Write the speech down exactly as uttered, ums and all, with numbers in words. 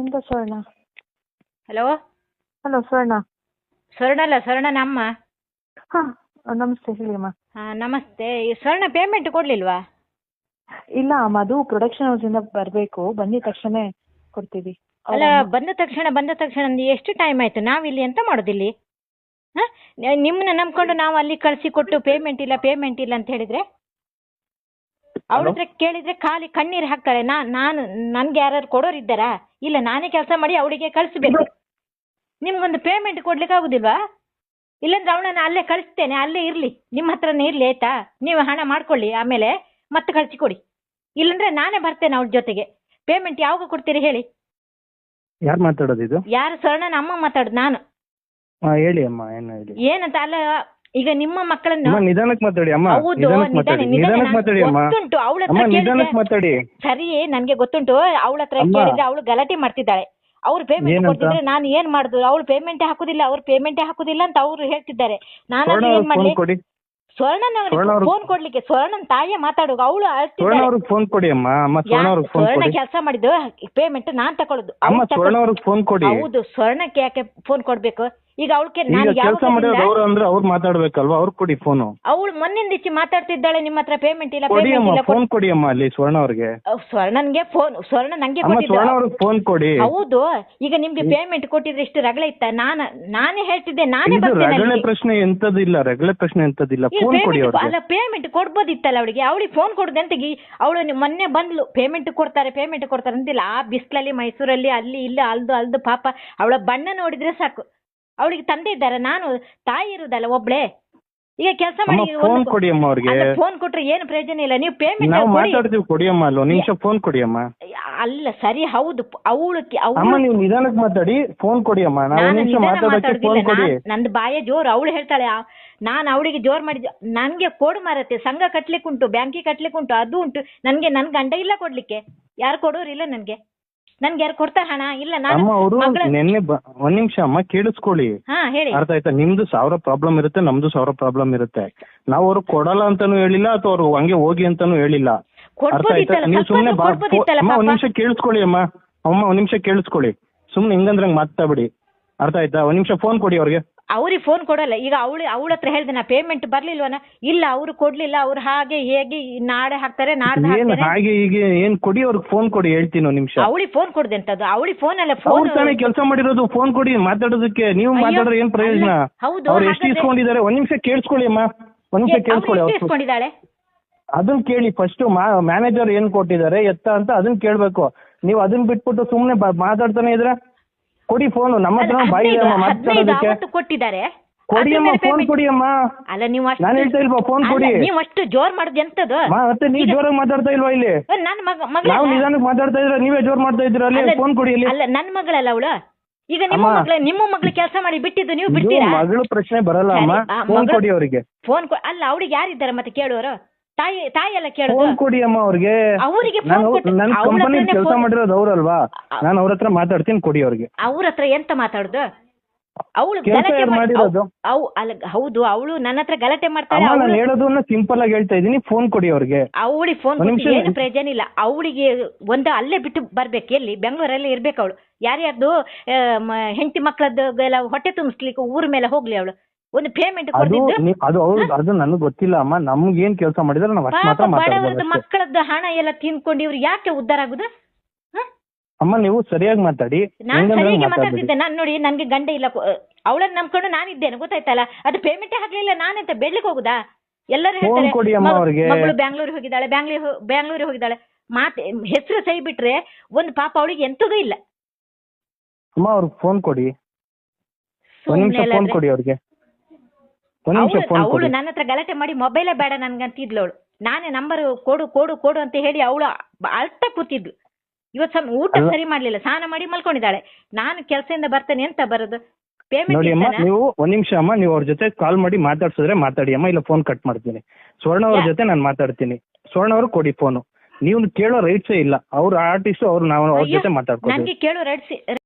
ಇಂದ ಸ್ವರ್ಣ. Hello hello ಸ್ವರ್ಣ. ಸ್ವರ್ಣ ಅಲ್ಲ, ಸ್ವರ್ಣನ ಅಮ್ಮ. ಹಾ ನಮಸ್ತೆ ಹೇಳಿ ಅಮ್ಮ. ಹಾ ನಮಸ್ತೆ. ಈ ಸ್ವರ್ಣ ಪೇಮೆಂಟ್ ಕೊಡ್ಲಿಲ್ವಾ? ಇಲ್ಲ ಅಮ್ಮ, ಅದು ಪ್ರೊಡಕ್ಷನ್ ಹೌಸ್ ಇಂದ ಬರಬೇಕು, ಬಂದಿದ ತಕ್ಷಣ ಕೊಡ್ತೀವಿ. ಅಲ್ಲ, ಬಂದ ತಕ್ಷಣ ಬಂದ ತಕ್ಷಣ ಅಂದ್ರೆ ಎಷ್ಟು ಟೈಮ್ ಆಯ್ತು? ನಾವಿಲ್ಲಿ ಎಂತ ಮಾಡೋದಿಲ್ಲಿ? ಹಾ, ನಿಮ್ಮನ್ನ ನಂಬ್ಕೊಂಡು ನಾವು ಅಲ್ಲಿ ಕಳಿಸಿ ಕೊಟ್ಟು ಪೇಮೆಂಟ್ ಇಲ್ಲ ಪೇಮೆಂಟ್ ಇಲ್ಲ ಅಂತ ಹೇಳಿದ್ರೆ ಅವ್ರ ಹತ್ರ ಕೇಳಿದ್ರೆ ಖಾಲಿ ಕಣ್ಣೀರು ಹಾಕ್ತಾರೆ. ನಾ ನಾನು ನನ್ಗೆ ಯಾರು ಕೊಡೋರು ಇದ್ದಾರಾ? ಇಲ್ಲ, ನಾನೇ ಕೆಲಸ ಮಾಡಿ ಅವಳಿಗೆ ಕಳಿಸ್ಬೇಕು. ನಿಮ್ಗೊಂದು ಪೇಮೆಂಟ್ ಕೊಡ್ಲಿಕ್ಕೆ ಆಗುದಿಲ್ವಾ? ಇಲ್ಲಾಂದ್ರೆ ಅವಳನ್ನ ಅಲ್ಲೇ ಕಳಿಸ್ತೇನೆ, ಅಲ್ಲೇ ಇರ್ಲಿ, ನಿಮ್ಮ ಹತ್ರನೇ ಇರ್ಲಿ, ಆಯ್ತಾ? ನೀವು ಹಣ ಮಾಡ್ಕೊಳ್ಳಿ, ಆಮೇಲೆ ಮತ್ತೆ ಕಳಿಸಿ ಕೊಡಿ. ಇಲ್ಲಾಂದ್ರೆ ನಾನೇ ಬರ್ತೇನೆ ಅವಳ ಜೊತೆಗೆ. ಪೇಮೆಂಟ್ ಯಾವಾಗ ಕೊಡ್ತೀರಿ ಹೇಳಿ? ಯಾರು ಮಾತಾಡೋದು ಇದು? ಯಾರು? ಸ್ವರ್ಣನ ಅಮ್ಮ ಮಾತಾಡುದು ನಾನು. ಹೇಳಿ ಅಮ್ಮ, ಏನು ಹೇಳಿ? ಏನಂತ ಅಲ್ಲ, ಈಗ ನಿಮ್ಮ ಮಕ್ಕಳನ್ನು ನಿಧಾನಕ್ಕೆ ಮಾತಾಡಿ ಅಮ್ಮ. ಹೌದು, ನಿಧಾನಕ್ಕೆ ಮಾತಾಡಿ, ನಿಧಾನಕ್ಕೆ ಮಾತಾಡಿ ಅಮ್ಮ. ಗೊತ್ತುಂಟು ಅವಳ ಅಮ್ಮ, ಹತ್ರ ನಿಧಾನಕ್ಕೆ ಮಾತಾಡಿ. ಸರಿ, ನನ್ಗೆ ಗೊತ್ತುಂಟು. ಅವಳ ಹತ್ರ ಕೇಳಿದ್ರೆ ಅವಳು ಗಲಾಟೆ ಮಾಡ್ತಿದ್ದಾಳೆ. ಅವ್ರು ಪೇಮೆಂಟ್ ಕೊಡ್ತಿದ್ರೆ ನಾನು ಏನ್ ಮಾಡುದು? ಅವಳು ಪೇಮೆಂಟ್ ಹಾಕುದಿಲ್ಲ, ಅವ್ರು ಪೇಮೆಂಟ್ ಹಾಕುದಿಲ್ಲ ಅಂತ ಅವ್ರು ಹೇಳ್ತಿದ್ದಾರೆ. ನಾನು ಏನ್ ಮಾಡ್ಲಿ? ಸ್ವರ್ಣನ ಫೋನ್ ಕೊಡ್ಲಿಕ್ಕೆ ಸ್ವರ್ಣನ್ ತಾಯಿಯ ಮಾತಾಡುವ. ಅವಳು ಫೋನ್ ಕೊಡಿ ಅಮ್ಮ. ಸ್ವರ್ಣ ಕೆಲಸ ಮಾಡಿದ್ದು ಪೇಮೆಂಟ್ ನಾನ್ ತಕೊಳ್ಳೋದು. ಫೋನ್ ಕೊಡಿ. ಹೌದು, ಸ್ವರ್ಣಕ್ಕೆ ಯಾಕೆ ಫೋನ್ ಕೊಡ್ಬೇಕು? ಈಗ ಅವಳಿಗೆ ಕೆಲಸ ಮಾಡೋದು ಅವ್ರು ಅಂದ್ರೆ ಅವ್ರು ಮಾತಾಡ್ಬೇಕಲ್ವಾ? ಅವ್ರು ಕೊಡಿ ಫೋನು. ಅವಳು ಮೊನ್ನಿಂದ ಇಚ್ಚಿ ಮಾತಾಡ್ತಿದ್ದಾಳೆ, ನಿಮ್ಮ ಹತ್ರ ಪೇಮೆಂಟ್ ಇಲ್ಲ ಕೊಡಿ ಪೇಮೆಂಟ್ ಅಮ್ಮ. ಇಲ್ಲ. ಫೋನ್ ಕೊಡಿ ಅಮ್ಮ ಅಲ್ಲಿ ಸ್ವರ್ಣ ಅವ್ರಿಗೆ. ಸ್ವರ್ಣನ್ಗೆ ಫೋನ್ ಸ್ವರ್ಣ ನಂಗೆ ಸ್ವರ್ಣ ಕೊಟ್ಟಿದ್ದು. ಅವ್ರಿಗೆ ಫೋನ್ ಕೊಡಿ. ಹೌದು, ಈಗ ನಿಮ್ಗೆ ಪೇಮೆಂಟ್ ಕೊಟ್ಟಿದ್ರೆ ಇಷ್ಟು ರಗಳೆ ಇತ್ತ? ನಾನ ನಾನೇ ಹೇಳ್ತಿದ್ದೆ, ನಾನೇ ಇದು ಬರ್ತೇನೆ ರಗಳೆ ಅಲ್ಲಿಗೆ. ಪ್ರಶ್ನೆ ಎಂತದಿಲ್ಲ, ರಗಳೆ ಪ್ರಶ್ನೆ ಎಂತದಿಲ್ಲ. ಈಗ ಫೋನ್ ಕೊಡಿ payment- ಅವ್ರಿಗೆ. ಅಲ್ಲ, ಪೇಮೆಂಟ್ ಕೊಡ್ಬೋದಿತ್ತಲ್ಲ ಅವಳಿಗೆ. ಅವಳಿಗೆ ಫೋನ್ ಕೊಡುದು ಅಂತ ಅವಳು ಮೊನ್ನೆ ಬಂದ್ಲು. ಪೇಮೆಂಟ್ ಕೊಡ್ತಾರೆ ಪೇಮೆಂಟ್ ಕೊಡ್ತಾರೆ ಅಂತಿಲ್ಲ. ಆ ಬಿಸ್ಲಲ್ಲಿ ಮೈಸೂರಲ್ಲಿ ಅಲ್ಲಿ ಇಲ್ಲಿ ಅಲ್ದು ಅಲ್ದು ಪಾಪ ಅವಳ ಬಣ್ಣ ನೋಡಿದ್ರೆ ಸಾಕು. ಅವಳಿಗೆ ತಂದೆ ಇದ್ದಾರೆ, ನಾನು ತಾಯಿ ಇರುದಲ್ಲ ಒಬ್ಳೆ. ಈಗ ಕೆಲಸ ಮಾಡಿ ಫೋನ್ ಕೊಡಿ ಅಮ್ಮ ಅವ್ರಿಗೆ. ಫೋನ್ ಕೊಟ್ರೆ ಏನು ಪ್ರಯೋಜನ ಇಲ್ಲ. ನೀವು ಪೇಮೆಂಟ್ ನಾವು ಮಾತಾಡ್ತೀವಿ, ಕೊಡಿ ಅಮ್ಮ. ಅಲ್ಲ, ನಿಮಿಷ ಫೋನ್ ಕೊಡಿ ಅಮ್ಮ. ಅಲ್ಲ ಸರಿ, ಹೌದು. ಅವಳು ಅಮ್ಮ ನೀವು ನಿಧಾನಕ್ಕೆ ಮಾತಾಡಿ, ಫೋನ್ ಕೊಡಿ ಅಮ್ಮ. ನಾವು ಒಂದು ನಿಮಿಷ ಮಾತಾಡೋಕೆ ಫೋನ್ ಕೊಡಿ. ನಂದು ಬಾಯ ಜೋರು. ಅವಳು ಹೇಳ್ತಾಳೆ ನಾನು ಅವಳಿಗೆ ಜೋರ್ ಮಾಡಿದ್ದೆ. ನನ್ಗೆ ಕೊಡು ಮಾರತ್ತೆ, ಸಂಘ ಕಟ್ಲಿಕ್ಕೆ ಉಂಟು, ಬ್ಯಾಂಕಿಗೆ ಕಟ್ಲಿಕ್ಕೆ ಉಂಟು, ಅದು ಉಂಟು. ನನ್ಗೆ ನನ್ ಗಂಡ ಇಲ್ಲ ಕೊಡ್ಲಿಕ್ಕೆ. ಯಾರು ಕೊಡೋರಿಲ್ಲ ನನ್ಗೆ. ನನ್ಗೆ ಯಾರು ಕೊಡ್ತಾರೆ ಹಣ? ಇಲ್ಲ. ನಾನು ಅವರು ನಿನ್ನೆ ಒಂದ್ ನಿಮಿಷ ಅಮ್ಮ ಕೇಳಿಸ್ಕೊಳ್ಳಿ. ಹಾ ಹೇಳಿ. ಅರ್ಥ ಆಯ್ತಾ? ನಿಮ್ದು ಸಾವಿರ ಪ್ರಾಬ್ಲಮ್ ಇರುತ್ತೆ, ನಮ್ದು ಸಾವಿರ ಪ್ರಾಬ್ಲಮ್ ಇರುತ್ತೆ. ನಾವು ಅವ್ರು ಕೊಡಲ್ಲ ಅಂತಾನು ಹೇಳಿಲ್ಲ, ಅಥವಾ ಅವ್ರು ಹಂಗೆ ಹೋಗಿ ಅಂತಾನು ಹೇಳಿಲ್ಲ. ಅರ್ಥ ಆಯ್ತಾ? ನೀವು ಸುಮ್ನೆ ಒಂದ್ ನಿಮಿಷ ಕೇಳಿಸ್ಕೊಳ್ಳಿ ಅಮ್ಮ. ಅಮ್ಮ ಒಂದ್ ನಿಮಿಷ ಕೇಳಿಸ್ಕೊಳ್ಳಿ. ಸುಮ್ನೆ ಹಿಂಗಂದ್ರೆ ಹಂಗ್ ಮಾತಾಡ್ಬೇಡಿ. ಅರ್ಥ ಆಯ್ತಾ? ಒಂದ್ ನಿಮಿಷ ಫೋನ್ ಕೊಡಿ ಅವ್ರಿಗೆ. ಅವ್ರಿಗೆ ಫೋನ್ ಕೊಡಲ್ಲ. ಈಗ ಅವಳು ಅವಳ ಹತ್ರ ಹೇಳ್ದೆ ನಾ ಪೇಮೆಂಟ್ ಬರ್ಲಿಲ್ವನ? ಇಲ್ಲ, ಅವ್ರು ಕೊಡ್ಲಿಲ್ಲ. ಅವ್ರು ಹಾಗೆ ಹೇಗೆ ನಾಳೆ ಹಾಕ್ತಾರೆ, ನಾಡ್ದು ಏನ್ ಹಾಕ್ತಾರೆ. ಹಾಗೆ ಈಗ ಏನ್ ಕೊಡಿ ಅವ್ರಿಗೆ ಫೋನ್ ಕೊಡಿ, ಹೇಳ್ತೀನಿ ಒಂದ್ ನಿಮಿಷ. ಅವಳಿಗೆ ಫೋನ್ ಕೊಡ್ದೆ ಅಂತದ್ದು. ಅವಳಿಗೆ ಫೋನ್ ಅಲ್ಲ, ಫೋನ್ ತಾನೇ ಕೆಲಸ ಮಾಡಿರೋದು. ಫೋನ್ ಕೊಡಿ ಮಾತಾಡೋದಕ್ಕೆ. ನೀವು ಮಾತಾಡ್ರೆ ಏನ್ ಪ್ರಯೋಜನ? ಹೌದು. ಅವ್ರು ಎಷ್ಟು ಇಸ್ಕೊಂಡಿದ್ದಾರೆ? ಒಂದ್ ನಿಮಿಷ ಕೇಳಿಸ್ಕೊಳ್ಳಿ ಅಮ್ಮ, ಒಂದ್ ನಿಮಿಷ ಕೇಳಿಸ್ಕೊಳ್ಳಿ. ಅವ್ರು ಇಸ್ಕೊಂಡಿದ್ದಾಳೆ ಅದನ್ನ ಕೇಳಿ ಫಸ್ಟ್. ಮ್ಯಾನೇಜರ್ ಏನ್ ಕೊಟ್ಟಿದ್ದಾರೆ ಎತ್ತ ಅಂತ ಅದನ್ನ ಕೇಳ್ಬೇಕು. ನೀವು ಅದನ್ನ ಬಿಟ್ಬಿಟ್ಟು ಸುಮ್ನೆ ಮಾತಾಡ್ತಾನೆ ಇದ್ರೆ ಕೊಡಿ ಫೋನ್. ನಮ್ಮ ಹತ್ರ ಬಾಯಿ ಮಾತಾಡೋದಕ್ಕೆ ಕೊಟ್ಟಿದ್ದಾರೆ. ಕೊಡಿ ಅಮ್ಮ, ಫೋನ್ ಕೊಡಿ ಅಮ್ಮ. ಅಲ್ಲ, ನೀವು ನಾನು ಹೇಳ್ತಾ ಇಲ್ವಾ? ಫೋನ್ ಕೊಡಿ. ನೀವು ಅಷ್ಟು ಜೋರ್ ಮಾಡುದು ಎಂತದ್ದು? ಮತ್ತೆ ನೀವು ಜೋರಾಗಿ ಮಾತಾಡ್ತಾ ಇಲ್ವಾ ಇಲ್ಲಿ? ನನ್ನ ಮಗ ನಾವು ನಿಧಾನಕ್ಕೆ ಮಾತಾಡ್ತಾ ಇದ್ರೆ ನೀವೇ ಜೋರ್ ಮಾಡ್ತಾ ಇದ್ರ. ಅಲ್ಲಿ ಫೋನ್ ಕೊಡಿ ಇಲ್ಲಿ. ಅಲ್ಲ, ನನ್ನ ಮಗಳಲ್ಲ ಅವಳು. ಈಗ ನಿಮ್ಮ ಮಗಳ ನಿಮ್ಮ ಮಗಳು ಕೆಲಸ ಮಾಡಿ ಬಿಟ್ಟಿದ್ದು ನೀವು ಬಿಡ್ತೀರಾ? ಮಗಳು ಪ್ರಶ್ನೆ ಬರಲ್ಲ ಅಮ್ಮ. ಫೋನ್ ಕೊಡಿ ಅವರಿಗೆ. ಫೋನ್ ಅಲ್ಲ, ಅವಳಿಗೆ ಯಾರಿದ್ದಾರೆ ಮತ್ತೆ ಕೇಳುವರು? ತಾಯಿ ತಾಯಿ ಎಲ್ಲ ಕೇಳೋದು. ಫೋನ್ ಕೊಡಿ ಅಮ್ಮ ಅವ್ರಿಗೆ. ಅವರಿಗೆ ನನ್ನ ಕಂಪನಿ ಕೆಲಸ ಮಾಡಿರೋದು ಅವ್ರಲ್ವಾ? ನಾನು ಅವ್ರ ಹತ್ರ ಮಾತಾಡ್ತೀನಿ, ಕೊಡಿ ಅವ್ರಿಗೆ. ಅವ್ರ ಹತ್ರ ಎಂತ ಮಾತಾಡುದು? ಅವಳು ಮಾಡಿರೋದು ಹೌದು. ಅವಳು ನನ್ನ ಹತ್ರ ಗಲಾಟೆ ಮಾಡ್ತಾಳೆ. ನಾನು ಹೇಳೋದನ್ನ ಸಿಂಪಲ್ ಆಗಿ ಹೇಳ್ತಾ ಇದೀನಿ, ಫೋನ್ ಕೊಡಿ ಅವ್ರಿಗೆ. ಅವಳಿಗೆ ಫೋನ್ ಏನು ಪ್ರಯೋಜನ ಇಲ್ಲ. ಅವಳಿಗೆ ಒಂದು ಅಲ್ಲೇ ಬಿಟ್ಟು ಬರ್ಬೇಕು. ಎಲ್ಲಿ? ಬೆಂಗಳೂರಲ್ಲಿ ಇರ್ಬೇಕು ಅವಳು. ಯಾರ್ಯಾರ್ದು ಹೆಂಡತಿ ಮಕ್ಕಳದ್ದು ಎಲ್ಲ ಹೊಟ್ಟೆ ತುಂಬಿಸ್ಲಿಕ್ಕೆ ಊರ ಮೇಲೆ ಹೋಗ್ಲಿ ಅವಳು. ಒಂದು ಪೇಮೆಂಟ್ ಅದು ಅದು ನನಗೆ ಗೊತ್ತಿಲ್ಲ ಅಮ್ಮ. ನಮ್ಗೆ ಏನ್ ಕೆಲಸ ಮಾಡಿದ್ರೆ ನಾವು ಅಷ್ಟು ಮಾತ್ರ ಮಾತಾಡೋದು. ಮಕ್ಕಳದ್ದು ಹಣ ಎಲ್ಲ ತಿನ್ಕೊಂಡು ಇವ್ರು ಯಾಕೆ ಉದ್ಧಾರ ಆಗುದು? ಅಮ್ಮ ನೀವು ಸರಿಯಾಗಿ ಮಾತಾಡಿ. ನಾನ್ ಸರಿಯಾಗಿ ಮಾತಾಡ್ತಿದ್ದೆ. ನಾನ್ ನೋಡಿ, ನನ್ಗೆ ಗಂಡ ಇಲ್ಲ, ಅವಳನ್ನ ನಂಬ್ಕೊಂಡು ನಾನಿದ್ದೇನೆ, ಗೊತ್ತಾಯ್ತಲ್ಲ? ಅದು ಪೇಮೆಂಟೇ ಹಾಕ್ಲಿಲ್ಲ. ನಾನೆಂತ ಬೆಳ್ಳಿಗೆ ಹೋಗುದಾ? ಎಲ್ಲರೂ ಹೇಳ್ತಾರೆ ಮಗಳು ಬ್ಯಾಂಗ್ಳೂರಿಗೆ ಹೋಗಿದ್ದಾಳೆ, ಬ್ಯಾಂಗ್ಳೂರ್ ಬ್ಯಾಂಗ್ಳೂರಿಗೆ ಹೋಗಿದ್ದಾಳೆ. ಮಾತೆ ಹೆಸರು ಸೈ ಬಿಟ್ರೆ ಒಂದು ಪಾಪ ಅವಳಿಗೆ ಎಂತದೂ ಇಲ್ಲ. ಅಮ್ಮ ಅವ್ರಿಗೆ ಫೋನ್ ಕೊಡಿ. ಫೋನ್ ಕೊಡಿ ಅವ್ರಿಗೆ. ಅವಳು ನನ್ನ ಹತ್ರ ಗಲಾಟೆ ಮಾಡಿ ಮೊಬೈಲೇ ಬೇಡ ನನ್ಗಂತಿದ್ಲು ಅವಳು. ನಾನೇ ನಂಬರ್ ಕೊಡು ಕೊಡು ಕೊಡು ಅಂತ ಹೇಳಿ ಅವಳು ಅಳ್ತಾ ಕೂತಿದ್ಲು. ಇವತ್ತು ಊಟ ಸರಿ ಮಾಡ್ಲಿಲ್ಲ, ಸ್ನಾನ ಮಾಡಿ ಮಲ್ಕೊಂಡಿದ್ದಾಳೆ. ನಾನು ಕೆಲಸದಿಂದ ಬರ್ತೇನೆ ಅಂತ ಬರೋದು. ನೋಡಿ ಅಮ್ಮ, ನೀವು ಒಂದ್ ನಿಮಿಷ ಅಮ್ಮ, ನೀವು ಅವ್ರ ಜೊತೆ ಕಾಲ್ ಮಾಡಿ ಮಾತಾಡ್ಸಿದ್ರೆ ಮಾತಾಡಿ ಅಮ್ಮ, ಇಲ್ಲ ಫೋನ್ ಕಟ್ ಮಾಡ್ತೀನಿ. ಸ್ವರ್ಣ ಅವ್ರ ಜೊತೆ ನಾನು ಮಾತಾಡ್ತೀನಿ. ಸ್ವರ್ಣ ಅವ್ರು ಕೊಡಿ ಫೋನು. ನೀವು ಕೇಳೋ ರೈಟ್ಸೇ ಇಲ್ಲ. ಅವ್ರ ಆರ್ಟಿಸ್ಟ್ ಅವ್ರು ನಾವು ಅವ್ರ ಜೊತೆ ಮಾತಾಡ್ಕೊಂಡು. ನನಗೆ ಕೇಳೋ ರೈಟ್ಸ್